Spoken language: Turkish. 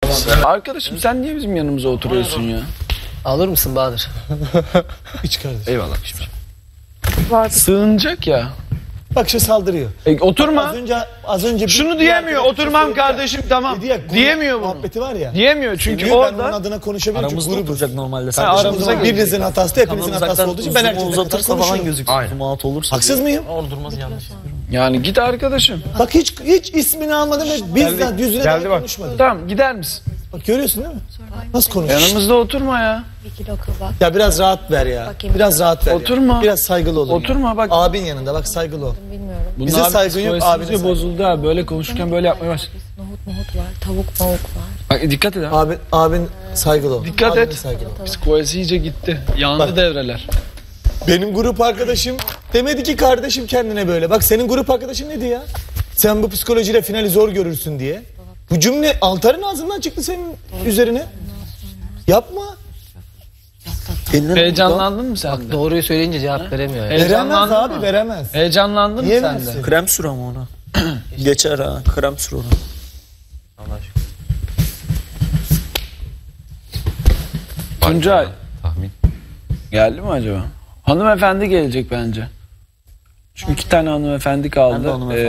Arkadaşım sen niye bizim yanımıza oturuyorsun ya? Alır mısın Bahadır? Hiç kardeşim. Eyvallah. Sığınacak ya. Bak şu saldırıyor. Oturma. Az önce Şunu diyemiyor. Oturmam kardeşim tamam. Diyemiyor bunu. bunu. Muhabbeti var ya. Diyemiyor çünkü Ben onun orada adına konuşabilirim. Aramızda oturacak normalde. aramıza Birinizin hatası da hepinizin hatası olduğu için ben herkesten uzatırsa falan gözüküyor. Aynen. Zoom out olursa. Haksız mıyım? Orada durmaz yanlış. yani git arkadaşım. Bak hiç ismini almadım ve bizzat yüzüne de konuşmadım. Tamam gider misin? Bak görüyorsun değil mi? Nasıl konuşuyor? Yanımızda oturma ya. 1 kilo kebap. Ya biraz rahat ver ya. Bakayım. Biraz rahat ver. Oturma. Ya. Biraz saygılı ol. Oturma bak. Abin yanında bak saygılı ol. Bilmiyorum. Bize saygın yok, abine saygı. bozuldu abi. Böyle konuşurken böyle yapmaya baş. Nohut var, tavuk var. Bak dikkat et abi. Abin saygılı ol. Dikkat Abine et. saygılı ol. Psikolojisi iyice gitti. Yandı Bak. devreler. Benim grup arkadaşım demedi ki kardeşim kendine böyle. Bak senin grup arkadaşın ne diyor ya? Sen bu psikolojiyle finali zor görürsün diye. Bu cümle Altar'ın ağzından çıktı senin üzerine. Yapma. Heyecanlandın mı sen de? Doğruyu söyleyince cevap veremiyor ya. Veremez Heyecanlandın abi mı? veremez. Heyecanlandın mı sen de? Yiyemezsin. Krem sür ama ona. Geçer ha. Krem sür ona. Tuncay Tahmin. geldi mi acaba? Hanımefendi gelecek bence. Çünkü 2 tane hanımefendi kaldı. Ben de hanımefendi.